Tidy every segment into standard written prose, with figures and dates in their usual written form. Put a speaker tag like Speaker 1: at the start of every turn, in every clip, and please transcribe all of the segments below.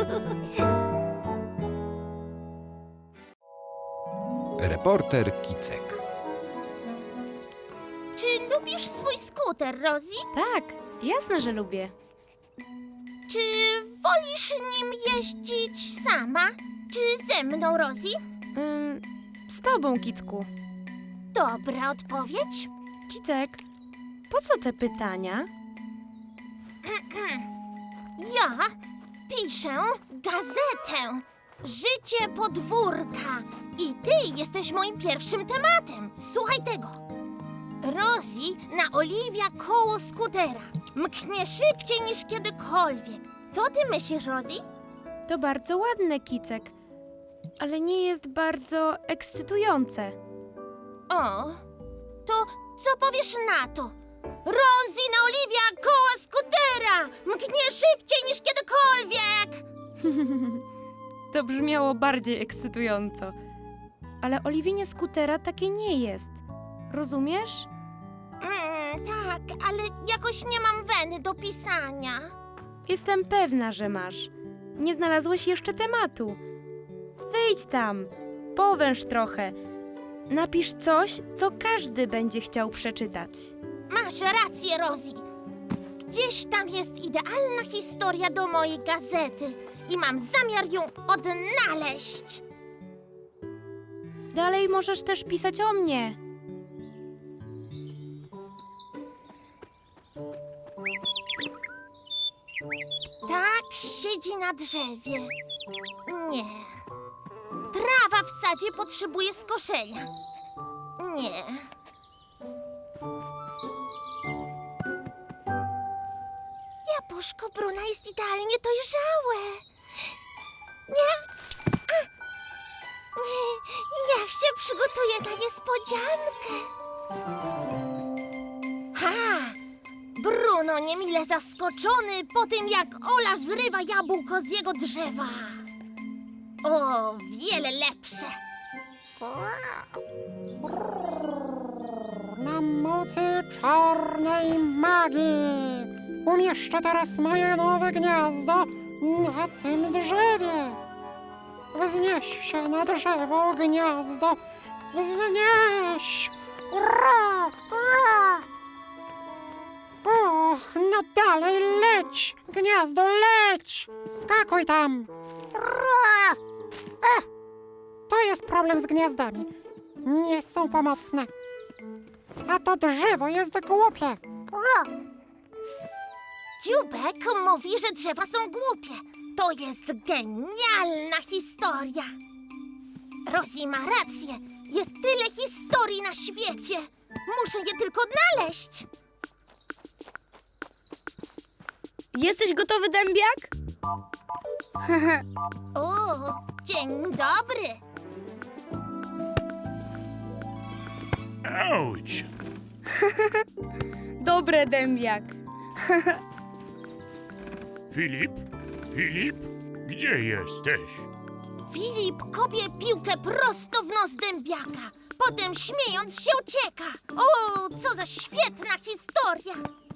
Speaker 1: Reporter Kicek.
Speaker 2: Czy lubisz swój skuter, Rosie?
Speaker 3: Tak, jasne, że lubię.
Speaker 2: Czy wolisz nim jeździć sama? Czy ze mną, Rosie?
Speaker 3: Z tobą, Kicku.
Speaker 2: Dobra odpowiedź.
Speaker 3: Kicek, po co te pytania?
Speaker 2: Ja piszę gazetę Życie podwórka i ty jesteś moim pierwszym tematem. Słuchaj tego. Rosie naoliwia koło skutera. Mknie szybciej niż kiedykolwiek. Co ty myślisz, Rosie?
Speaker 3: To bardzo ładne, Kicek, ale nie jest bardzo ekscytujące.
Speaker 2: O, to co powiesz na to? Rosie naoliwia koło skutera! Mknie szybciej niż kiedykolwiek!
Speaker 3: To brzmiało bardziej ekscytująco. Ale oliwienie skutera takie nie jest. Rozumiesz?
Speaker 2: Tak, ale jakoś nie mam weny do pisania.
Speaker 3: Jestem pewna, że masz. Nie znalazłeś jeszcze tematu. Wyjdź tam, powęż trochę. Napisz coś, co każdy będzie chciał przeczytać.
Speaker 2: Masz rację, Rosie. Gdzieś tam jest idealna historia do mojej gazety i mam zamiar ją odnaleźć.
Speaker 3: Dalej możesz też pisać o mnie.
Speaker 2: Tak siedzi na drzewie. Nie. Trawa w sadzie potrzebuje skoszenia. Nie. Jabłuszko Bruna jest idealnie dojrzałe. Nie. Niech się przygotuje na niespodziankę. Ha! Bruno niemile zaskoczony po tym, jak Ola zrywa jabłko z jego drzewa. O, wiele lepsze.
Speaker 4: Na mocy czarnej magii umieszczę teraz moje nowe gniazdo na tym drzewie. Wznieś się na drzewo, gniazdo. Wznieś! Ura! Ura! O, no dalej leć! Gniazdo, leć! Skakuj tam! Ura! To jest problem z gniazdami. Nie są pomocne. A to drzewo jest głupie. Ura!
Speaker 2: Dziubek mówi, że drzewa są głupie. To jest genialna historia. Rosie ma rację. Jest tyle historii na świecie. Muszę je tylko odnaleźć.
Speaker 5: Jesteś gotowy, dębiak?
Speaker 2: O, dzień dobry.
Speaker 6: Auć!
Speaker 5: Dobre, dębiak.
Speaker 6: Filip? Filip? Gdzie jesteś?
Speaker 2: Filip kopie piłkę prosto w nos dębiaka. Potem śmiejąc się ucieka. O, co za świetna historia.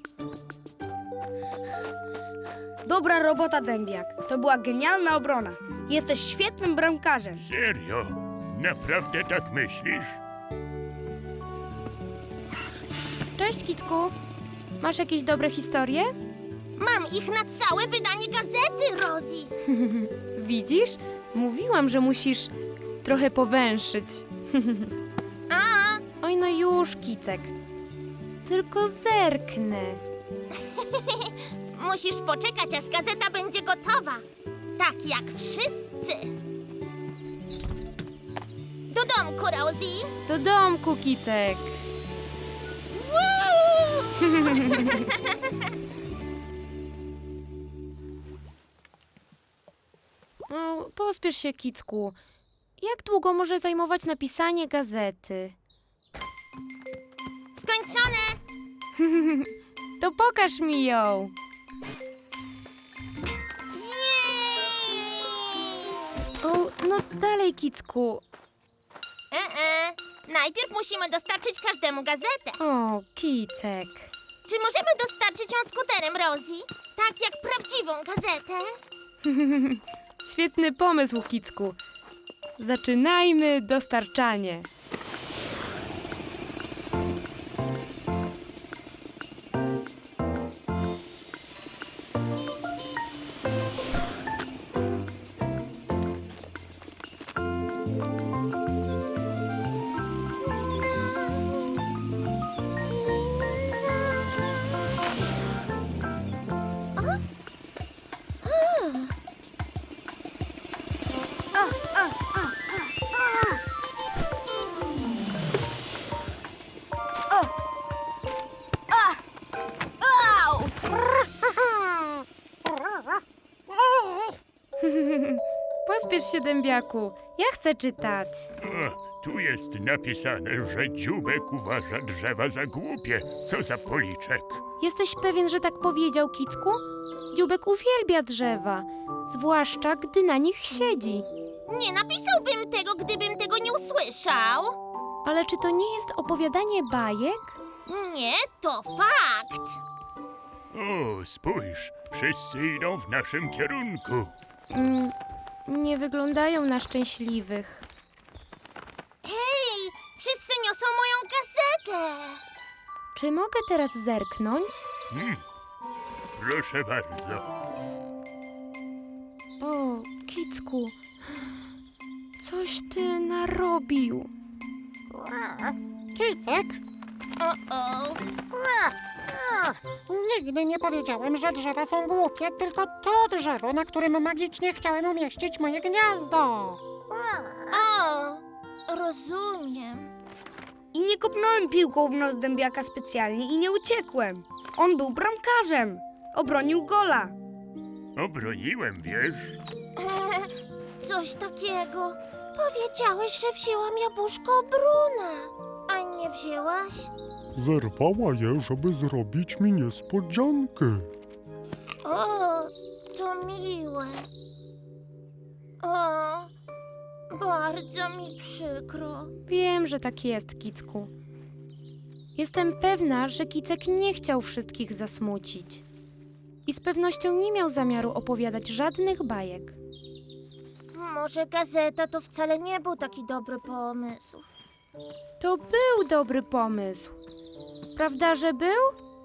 Speaker 5: Dobra robota, dębiak. To była genialna obrona. Jesteś świetnym bramkarzem.
Speaker 6: Serio? Naprawdę tak myślisz?
Speaker 3: Cześć, Kicku. Masz jakieś dobre historie?
Speaker 2: Mam ich na całe wydanie gazety, Rosie.
Speaker 3: Widzisz? Mówiłam, że musisz trochę powęszyć.
Speaker 2: A,
Speaker 3: Oj, no już, Kicek. Tylko zerknę.
Speaker 2: musisz poczekać, aż gazeta będzie gotowa. Tak jak wszyscy. Do domku, Rosie.
Speaker 3: Do domku, Kicek. No, pospiesz się, Kicku. Jak długo może zajmować napisanie gazety?
Speaker 2: Skończone.
Speaker 3: To pokaż mi ją.
Speaker 2: Jej!
Speaker 3: O, no dalej, Kicku.
Speaker 2: Najpierw musimy dostarczyć każdemu gazetę.
Speaker 3: O, Kicek.
Speaker 2: Czy możemy dostarczyć ją skuterem, Rosie? Tak jak prawdziwą gazetę?
Speaker 3: Świetny pomysł, Kicku. Zaczynajmy dostarczanie. Pospiesz się, dębiaku. Ja chcę czytać.
Speaker 6: O, tu jest napisane, że dzióbek uważa drzewa za głupie. Co za policzek.
Speaker 3: Jesteś pewien, że tak powiedział, Kicku? Dzióbek uwielbia drzewa, zwłaszcza gdy na nich siedzi.
Speaker 2: Nie napisałbym tego, gdybym tego nie usłyszał.
Speaker 3: Ale czy to nie jest opowiadanie bajek?
Speaker 2: Nie, to fakt.
Speaker 6: O, spójrz, wszyscy idą w naszym kierunku.
Speaker 3: Nie wyglądają na szczęśliwych.
Speaker 2: Hej, wszyscy niosą moją gazetę.
Speaker 3: Czy mogę teraz zerknąć?
Speaker 6: Proszę bardzo.
Speaker 3: O, Kicku, coś ty narobił.
Speaker 4: Kicek?
Speaker 2: O.
Speaker 4: Nigdy nie powiedziałem, że drzewa są głupie, tylko to drzewo, na którym magicznie chciałem umieścić moje gniazdo.
Speaker 2: O, rozumiem.
Speaker 5: I nie kopnąłem piłką w nos dębiaka specjalnie i nie uciekłem. On był bramkarzem. Obronił gola.
Speaker 6: Obroniłem, wiesz?
Speaker 2: Coś takiego. Powiedziałeś, że wzięłam jabłuszko Bruna, a nie wzięłaś?
Speaker 1: Zerwała je, żeby zrobić mi niespodziankę.
Speaker 2: O, to miłe. O, bardzo mi przykro.
Speaker 3: Wiem, że tak jest, Kicku. Jestem pewna, że Kicek nie chciał wszystkich zasmucić. I z pewnością nie miał zamiaru opowiadać żadnych bajek.
Speaker 2: Może gazeta to wcale nie był taki dobry pomysł.
Speaker 3: To był dobry pomysł. Prawda, że był?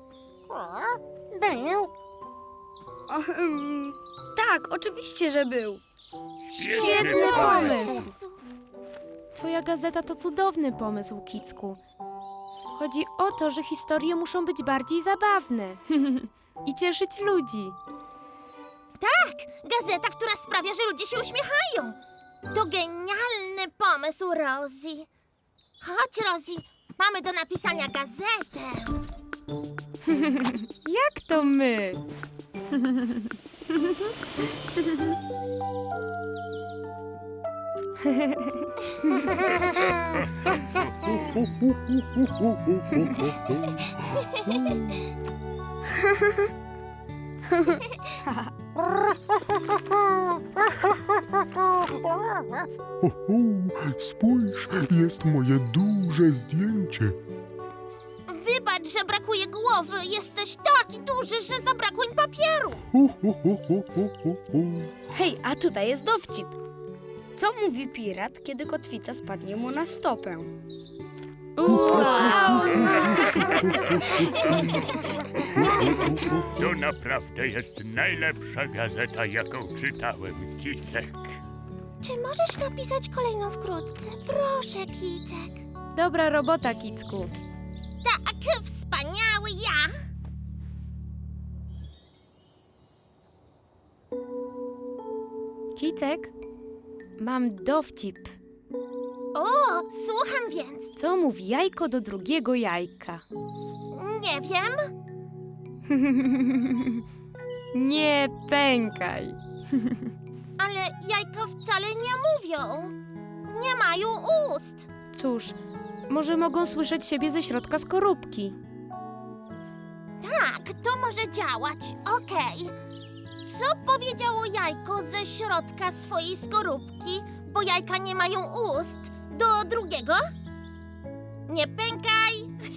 Speaker 4: Był.
Speaker 5: Tak, oczywiście, że był.
Speaker 3: Świetny pomysł! Twoja gazeta to cudowny pomysł, Kicku. Chodzi o to, że historie muszą być bardziej zabawne i cieszyć ludzi.
Speaker 2: Tak, gazeta, która sprawia, że ludzie się uśmiechają. To genialny pomysł, Rosie. Chodź, Rosie, mamy do napisania gazetę.
Speaker 3: Jak to my?
Speaker 1: Spójrz, jest moje duże zdjęcie.
Speaker 2: Wybacz, że brakuje głowy. Jesteś taki duży, że zabrakło im papieru.
Speaker 5: Hej, a tutaj jest dowcip. Co mówi pirat, kiedy kotwica spadnie mu na stopę?
Speaker 6: To naprawdę jest najlepsza gazeta, jaką czytałem, Kicek.
Speaker 2: Czy możesz napisać kolejną wkrótce? Proszę, Kicek.
Speaker 3: Dobra robota, Kicku.
Speaker 2: Tak, wspaniały ja.
Speaker 3: Kicek, mam dowcip.
Speaker 2: O, słucham więc.
Speaker 3: Co mówi jajko do drugiego jajka?
Speaker 2: Nie wiem.
Speaker 3: Nie pękaj.
Speaker 2: Ale jajka wcale nie mówią. Nie mają ust.
Speaker 3: Cóż, może mogą słyszeć siebie ze środka skorupki.
Speaker 2: Tak, to może działać. Okej. Co powiedziało jajko ze środka swojej skorupki, bo jajka nie mają ust, do drugiego? Nie pękaj.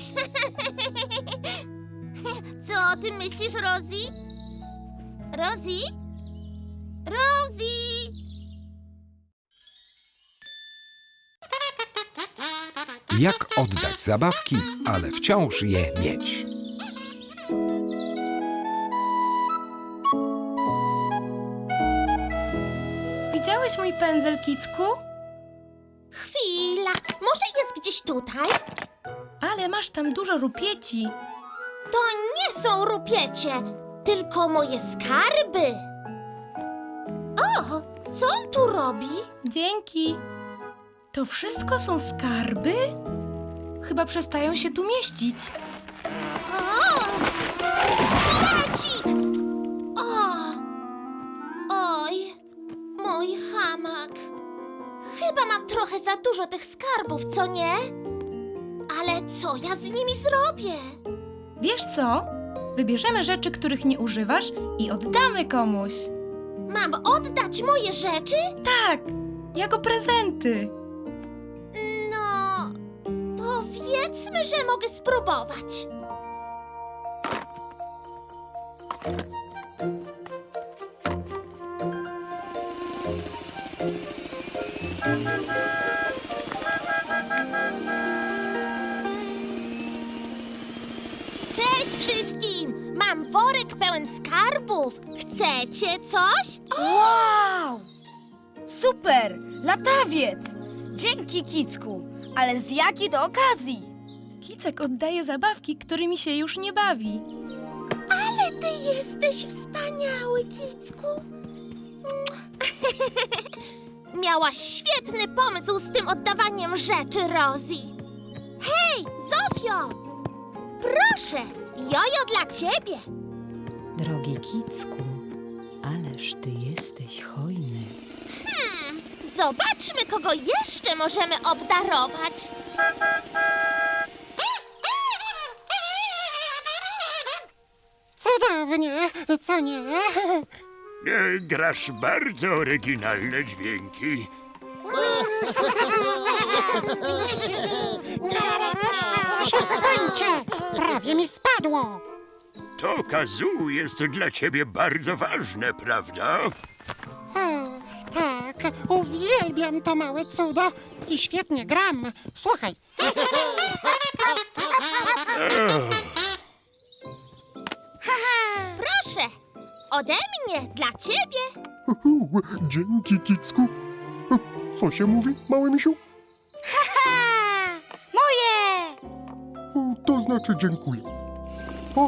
Speaker 2: Co o tym myślisz, Rosie? Rosie? Rosie!
Speaker 7: Jak oddać zabawki, ale wciąż je mieć.
Speaker 3: Widziałeś mój pędzel, Kicku?
Speaker 2: Chwila, może jest gdzieś tutaj?
Speaker 3: Ale masz tam dużo rupieci.
Speaker 2: To nie są rupiecie, tylko moje skarby. O, co on tu robi?
Speaker 3: Dzięki. To wszystko są skarby? Chyba przestają się tu mieścić.
Speaker 2: O, Flecik! O, oj, mój hamak. Chyba mam trochę za dużo tych skarbów, co nie? Ale co ja z nimi zrobię?
Speaker 3: Wiesz co? Wybierzemy rzeczy, których nie używasz i oddamy komuś.
Speaker 2: Mam oddać moje rzeczy?
Speaker 3: Tak, jako prezenty.
Speaker 2: No, powiedzmy, że mogę spróbować. Cześć wszystkim! Mam worek pełen skarbów. Chcecie coś?
Speaker 5: Wow! Super! Latawiec! Dzięki, Kicku! Ale z jakiej to okazji?
Speaker 3: Kicek oddaje zabawki, którymi się już nie bawi.
Speaker 2: Ale ty jesteś wspaniały, Kicku. Miałaś świetny pomysł z tym oddawaniem rzeczy, Rosie. Hej, Zofio! Proszę, jojo dla ciebie.
Speaker 8: Drogi Kicku, ależ ty jesteś hojny.
Speaker 2: Zobaczmy, kogo jeszcze możemy obdarować.
Speaker 4: Cudownie, co nie?
Speaker 6: Grasz bardzo oryginalne dźwięki.
Speaker 4: Przestańcie! Prawie mi spadło.
Speaker 6: To kazoo jest dla ciebie bardzo ważne, prawda?
Speaker 4: Tak, uwielbiam to małe cudo i świetnie gram. Słuchaj.
Speaker 2: Proszę, ode mnie dla ciebie.
Speaker 1: Dzięki, Kicku. Co się mówi, mały misiu?
Speaker 5: Moje!
Speaker 1: To znaczy dziękuję. O,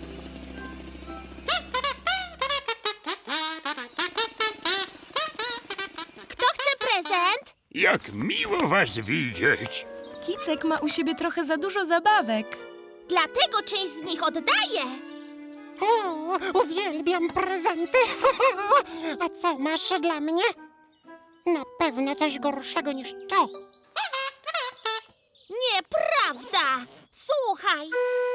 Speaker 2: Kto chce prezent?
Speaker 6: Jak miło was widzieć.
Speaker 3: Kicek ma u siebie trochę za dużo zabawek.
Speaker 2: Dlatego część z nich oddaję.
Speaker 4: O, uwielbiam prezenty. A co masz dla mnie? Na pewno coś gorszego niż to.
Speaker 2: Nieprawda! Słuchaj,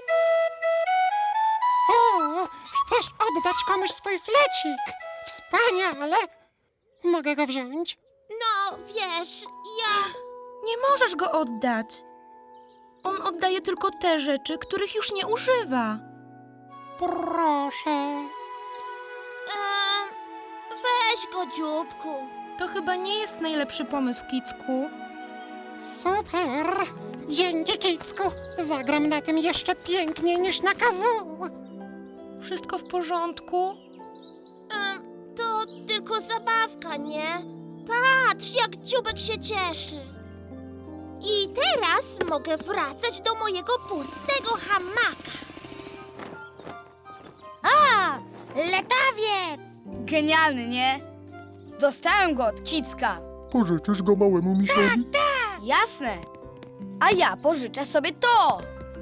Speaker 4: O, chcesz oddać komuś swój flecik? Wspaniale. Mogę go wziąć?
Speaker 2: no wiesz, ja...
Speaker 3: Nie możesz go oddać. On oddaje tylko te rzeczy, których już nie używa.
Speaker 4: Proszę.
Speaker 2: Weź go, dzióbku.
Speaker 3: To chyba nie jest najlepszy pomysł, Kicku.
Speaker 4: Super. Dzięki, Kicku. Zagram na tym jeszcze piękniej niż na kazoo.
Speaker 3: Wszystko w porządku?
Speaker 2: To tylko zabawka, nie? Patrz, jak dzióbek się cieszy. I teraz mogę wracać do mojego pustego hamaka.
Speaker 5: A! Latawiec! Genialny, nie? Dostałem go od Kicka.
Speaker 1: pożyczysz go małemu misiowi?
Speaker 5: Jasne. A ja pożyczę sobie to.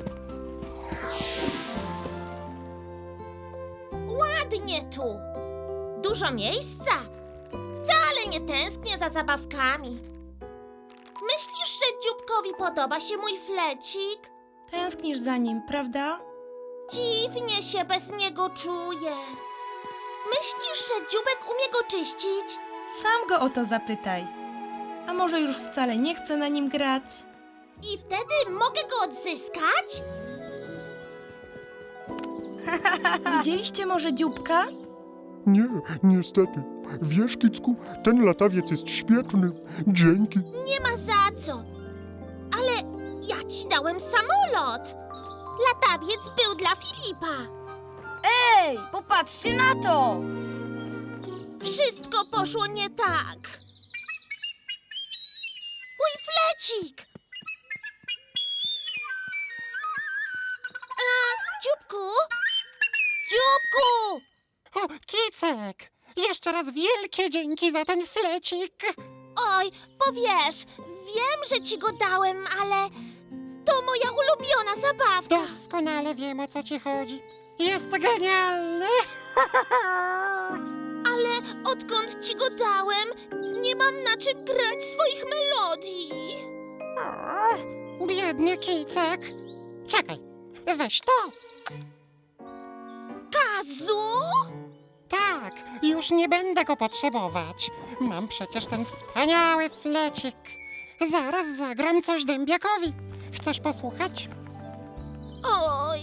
Speaker 2: Ładnie tu. Dużo miejsca. Wcale nie tęsknię za zabawkami. Myślisz, że dzióbkowi podoba się mój flecik?
Speaker 3: Tęsknisz za nim, prawda?
Speaker 2: Dziwnie się bez niego czuję. Myślisz, że dzióbek umie go czyścić?
Speaker 3: Sam go o to zapytaj. A może już wcale nie chce na nim grać?
Speaker 2: I wtedy mogę go odzyskać?
Speaker 3: Widzieliście może dzióbka?
Speaker 1: Nie, niestety. Wiesz, Kicku, ten latawiec jest świetny. Dzięki.
Speaker 2: Nie ma za co. Ale ci dałem samolot. Latawiec był dla Filipa.
Speaker 5: Ej, popatrzcie na to!
Speaker 2: Wszystko poszło nie tak. Mój flecik! Dzióbku? Dzióbku!
Speaker 4: O, Kicek! Jeszcze raz wielkie dzięki za ten flecik.
Speaker 2: Oj, powiesz, wiem, że ci go dałem, ale to moja ulubiona zabawka.
Speaker 4: Doskonale wiem, o co ci chodzi. Jest genialny.
Speaker 2: Ale odkąd ci go dałem, nie mam na czym grać swoich melodii.
Speaker 4: O, biedny Kicek. Czekaj, weź to.
Speaker 2: Kazu?
Speaker 4: Tak, już nie będę go potrzebować. Mam przecież ten wspaniały flecik. Zaraz zagram coś dębiakowi. Chcesz posłuchać?
Speaker 2: Oj,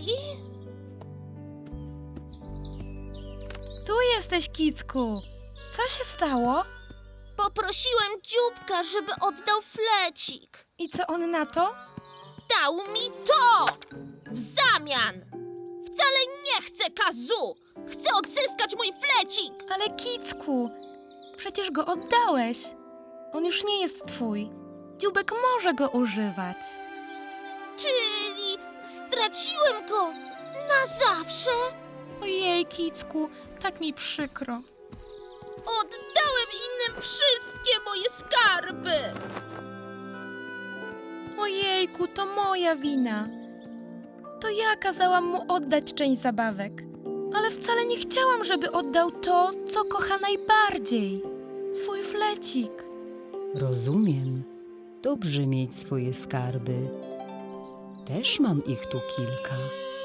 Speaker 3: Tu jesteś, Kicku. Co się stało?
Speaker 2: poprosiłem Dzióbka, żeby oddał flecik.
Speaker 3: I co on na to?
Speaker 2: Dał mi to! W zamian! Wcale nie chcę Kazu! Chcę odzyskać mój flecik!
Speaker 3: Ale Kicku, przecież go oddałeś. On już nie jest twój. Dziubek może go używać.
Speaker 2: Czyli straciłem go na zawsze?
Speaker 3: Ojej, Kicku, tak mi przykro.
Speaker 2: Oddałem innym wszystkie moje skarby!
Speaker 3: Ojejku, to moja wina. To ja kazałam mu oddać część zabawek. Ale wcale nie chciałam, żeby oddał to, co kocha najbardziej. Swój flecik.
Speaker 8: Rozumiem. Dobrze mieć swoje skarby. Też mam ich tu kilka.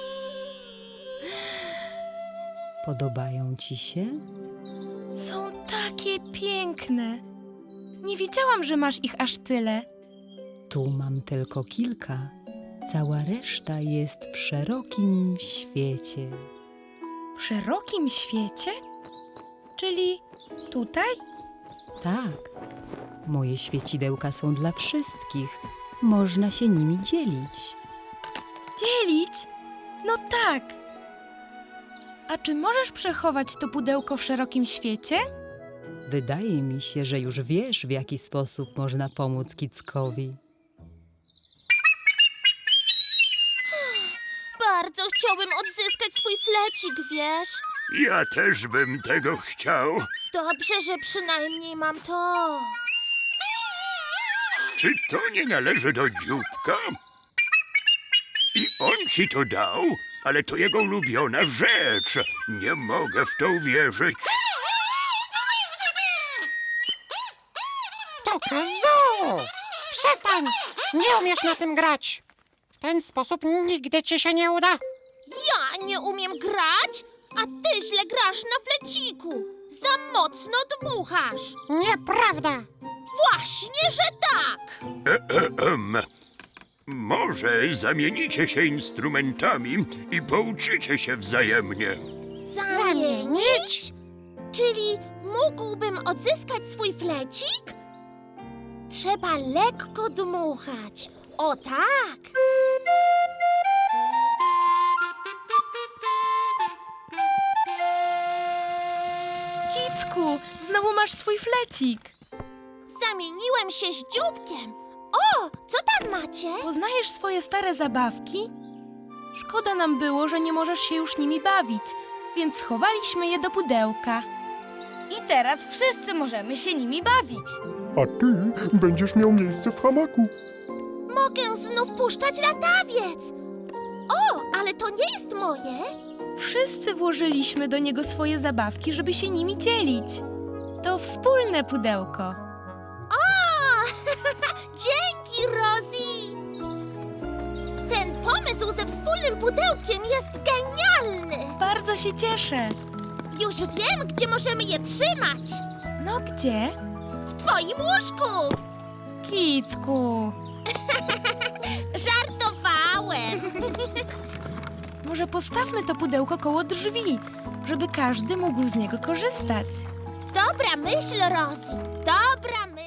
Speaker 8: Podobają ci się?
Speaker 3: Są takie piękne. Nie wiedziałam, że masz ich aż tyle.
Speaker 8: Tu mam tylko kilka. Cała reszta jest w szerokim świecie.
Speaker 3: W szerokim świecie? Czyli tutaj?
Speaker 8: Tak, moje świecidełka są dla wszystkich. Można się nimi dzielić.
Speaker 3: Dzielić? No tak. A czy możesz przechować to pudełko w szerokim świecie?
Speaker 8: Wydaje mi się, że już wiesz, w jaki sposób można pomóc Kickowi.
Speaker 2: Bardzo chciałbym odzyskać swój flecik, wiesz?
Speaker 6: Ja też bym tego chciał.
Speaker 2: Dobrze, że przynajmniej mam to.
Speaker 6: Czy to nie należy do Dzióbka? I on ci to dał? Ale to jego ulubiona rzecz. Nie mogę w to uwierzyć.
Speaker 4: To Kazu! Przestań! Nie umiesz na tym grać. W ten sposób nigdy ci się nie uda.
Speaker 2: Ja nie umiem grać, a ty źle grasz na fleciku. Za mocno dmuchasz.
Speaker 4: Nieprawda!
Speaker 2: Właśnie, że tak.
Speaker 6: Może zamienicie się instrumentami i pouczycie się wzajemnie.
Speaker 2: Zamienić? Czyli mógłbym odzyskać swój flecik? Trzeba lekko dmuchać. O tak.
Speaker 3: Kicku, znowu masz swój flecik.
Speaker 2: Zamieniłem się z Dzióbkiem. O, co tam macie?
Speaker 3: Poznajesz swoje stare zabawki? Szkoda nam było, że nie możesz się już nimi bawić, więc schowaliśmy je do pudełka.
Speaker 5: I teraz wszyscy możemy się nimi bawić.
Speaker 1: A ty będziesz miał miejsce w hamaku.
Speaker 2: Mogę znów puszczać latawiec. O, ale to nie jest moje.
Speaker 3: Wszyscy włożyliśmy do niego swoje zabawki, żeby się nimi dzielić. To wspólne pudełko.
Speaker 2: O, dzięki, Rosie. Ten pomysł ze wspólnym pudełkiem jest genialny.
Speaker 3: Bardzo się cieszę.
Speaker 2: Już wiem, gdzie możemy je trzymać.
Speaker 3: No gdzie?
Speaker 2: W twoim łóżku.
Speaker 3: Kicku,
Speaker 2: Żartowałem.
Speaker 3: może postawmy to pudełko koło drzwi, żeby każdy mógł z niego korzystać.
Speaker 2: Dobra myśl, Rosie. Dobra myśl.